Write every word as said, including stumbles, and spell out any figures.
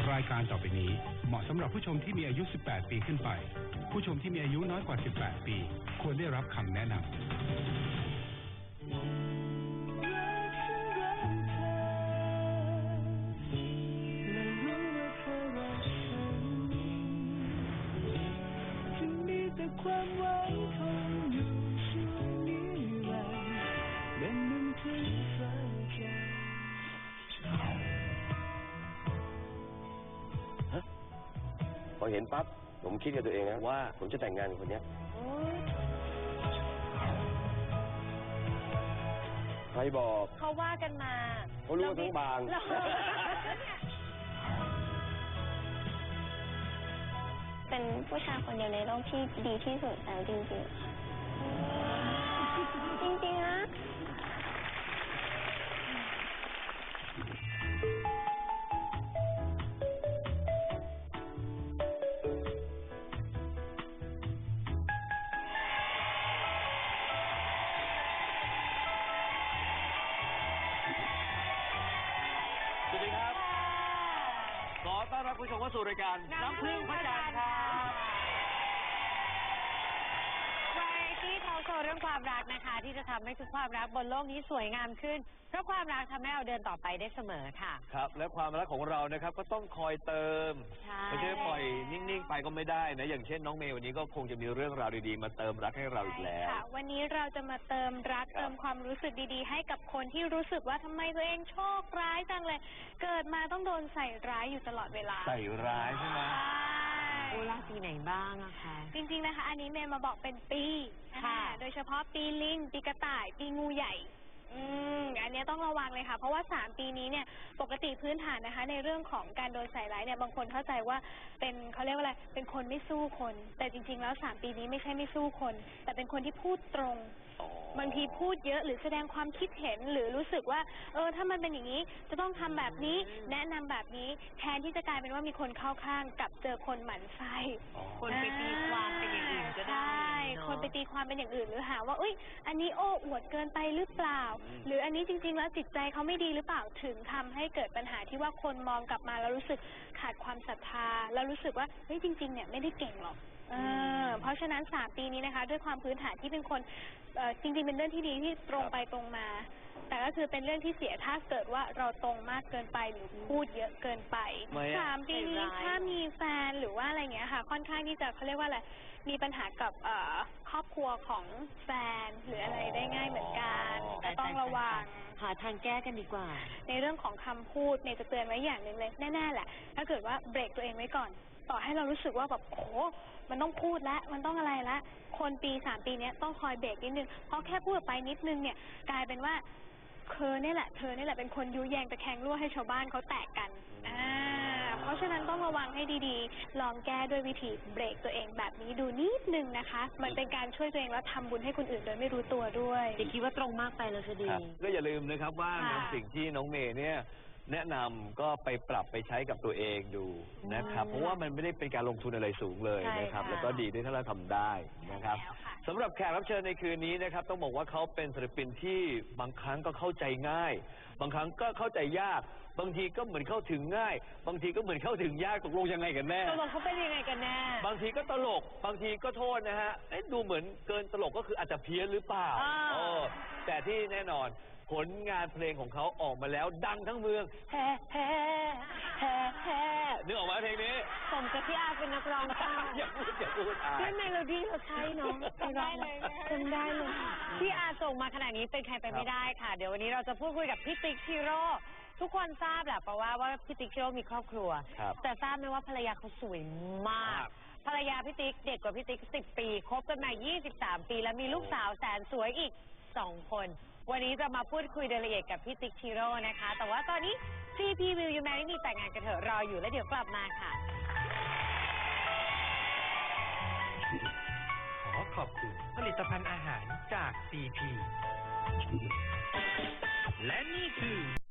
รายการต่อไปนี้เหมาะสำหรับผู้ชมที่มีอายุ สิบแปด ปีขึ้นไปผู้ชมที่มีอายุน้อยกว่า สิบแปด ปีควรได้รับคำแนะนำความหวังคงอยู่ช่วงนิรันดร์เป็นหนึ่งถึงฟ้าใจฮะพอเห็นปั๊บผมคิดกับตัวเองนะว่าผมจะแต่งงานกับคนนี้ใครบอกเขาว่ากันมาเขารู้ทั้งบางเป็นผู้ชายคนเดียวในโลกที่ดีที่สุดแล้วจริงๆค่ะจริงๆนะสวัสดีครับขอต้อนรับผู้ชมเข้าสู่รายการน้ำพึ่งพระจันทร์ครับวาไรตี้ทอล์คโชว์เรื่องความรักนะคะที่จะทำให้ทุกความรักบนโลกนี้สวยงามขึ้นเพราะความรักทำให้เราเดินต่อไปได้เสมอค่ะครับและความรักของเรานะครับก็ต้องคอยเติมไม่ใช่ปล่อยนิ่งๆไปก็ไม่ได้นะอย่างเช่นน้องเมย์วันนี้ก็คงจะมีเรื่องราวดีๆมาเติมรักให้เราอีกแล้ววันนี้เราจะมาเติมรักเติมความรู้สึกดีๆให้กับคนที่รู้สึกว่าทำไมตัวเองโชคร้ายจังเลยเกิดมาต้องโดนใส่ร้ายอยู่ตลอดเวลาใส่ร้ายใช่ไหมโอ้ราศีไหนบ้างอะคะจริงๆนะคะอันนี้เมย์มาบอกเป็นปีค่ะโดยเฉพาะปีลิงปีกระต่ายปีงูใหญ่อืมอันนี้ต้องระวังเลยค่ะเพราะว่าสามปีนี้เนี่ยปกติพื้นฐานนะคะในเรื่องของการโดนใส่ร้ายเนี่ยบางคนเข้าใจว่าเป็นเขาเรียกว่าอะไรเป็นคนไม่สู้คนแต่จริงๆแล้วสามปีนี้ไม่ใช่ไม่สู้คนแต่เป็นคนที่พูดตรงบางทีพูดเยอะหรือแสดงความคิดเห็นหรือรู้สึกว่าเออถ้ามันเป็นอย่างนี้จะต้องทำแบบนี้แนะนำแบบนี้แทนที่จะกลายเป็นว่ามีคนเข้าข้างกับเจอคนหมั่นไส้คนไปตีความเป็นอย่างอื่นก็ได้ใช่คนไปตีความเป็นอย่างอื่นหรือหาว่าเอ้ยอันนี้โอ้อวดเกินไปหรือเปล่าหรืออันนี้จริงๆแล้วจิตใจเขาไม่ดีหรือเปล่าถึงทำให้เกิดปัญหาที่ว่าคนมองกลับมาแล้วรู้สึกขาดความศรัทธาแล้วรู้สึกว่าเฮ้ยจริงๆเนี่ยไม่ได้เก่งหรอกเออเพราะฉะนั้นสามปีนี้นะคะด้วยความพื้นฐานที่เป็นคนเอ่อจริงๆเป็นเรื่องที่ดีที่ตรงไปตรงมาแต่ก็คือเป็นเรื่องที่เสียถ้าเกิดว่าเราตรงมากเกินไปหรือพูดเยอะเกินไปสามปีนี้ถ้ามีแฟนหรือว่าอะไรเงี้ยค่ะค่อนข้างที่จะเขาเรียกว่าอะไรมีปัญหากับเอ่อครอบครัวของแฟนหรืออะไรได้ง่ายเหมือนกันก็ต้องระวังหาทางแก้กันดีกว่าในเรื่องของคำพูดเมย์จะเตือนไว้อย่างหนึ่งเลยแน่ๆแหละถ้าเกิดว่าเบรกตัวเองไว้ก่อนต่อให้เรารู้สึกว่าแบบโอ้มันต้องพูดแล้วมันต้องอะไรแล้วคนปีสามปีนี้ต้องคอยเบรกนิดนึงเพราะแค่พูดไปนิดนึงเนี่ยกลายเป็นว่าเธอเนี่ยแหละเธอเนี่ยแหละเป็นคนยุแยงตะแคงรั่วให้ชาวบ้านเขาแตกกันอ่าเพราะฉะนั้นต้องระวังให้ดีๆลองแก้ด้วยวิธีเบรกตัวเองแบบนี้ดูนิดนึงนะคะมันเป็นการช่วยตัวเองแล้วทำบุญให้คนอื่นโดยไม่รู้ตัวด้วยอย่าคิดว่าตรงมากไปแล้วจะดีก็อย่าลืมนะครับว่าสิ่งที่น้องเมย์เนี่ยแนะนำก็ไปปรับไปใช้กับตัวเองดูนะครับเพราะว่ามันไม่ได้เป็นการลงทุนอะไรสูงเลยนะครับแล้วก็ดีด้วยถ้าเราทำได้นะครับสำหรับแขกรับเชิญในคืนนี้นะครับต้องบอกว่าเขาเป็นศิลปินที่บางครั้งก็เข้าใจง่ายบางครั้งก็เข้าใจยากบางทีก็เหมือนเข้าถึงง่ายบางทีก็เหมือนเข้าถึงยากตกลงยังไงกันแน่ตกลงเขาเป็นยังไงกันแน่บางทีก็ตลกบางทีก็โทษนะฮะดูเหมือนเกินตลกก็คืออาจจะเพี้ยนหรือเปล่าแต่ที่แน่นอนผลงานเพลงของเขาออกมาแล้วดังทั้งเมืองแฮ่แฮ่แฮ่แฮ่นึกออกไหมเพลงนี้สมกับที่อาเป็นนักร้องค่ะอย่าพูดอย่าพูดอาด้วยเมโลดี้เราใช้เนาะจำได้เลยจำได้เลยที่อาส่งมาขนาดนี้เป็นใครไปไม่ได้ค่ะเดี๋ยววันนี้เราจะพูดคุยกับพี่ติ๊กชิโร่ทุกคนทราบแหละเพราะว่าว่าพี่ติ๊กชิโร่มีครอบครัวแต่ทราบไหมว่าภรรยาเขาสวยมากภรรยาพี่ติ๊กเด็กกว่าพี่ติ๊กสิบปีคบกันมายี่สิบสามปีแล้วมีลูกสาวแสนสวยอีกสองคนวันนี้จะมาพูดคุยรายละเอียดกับพี่ติ๊กชิโร่นะคะแต่ว่าตอนนี้ ซี พี Will You Marry Me แต่งงานกันเถอะรออยู่แล้วเดี๋ยวกลับมาค่ะขอขอบคุณผลิตภัณฑ์อาหารจาก ซี พี และนี่คือ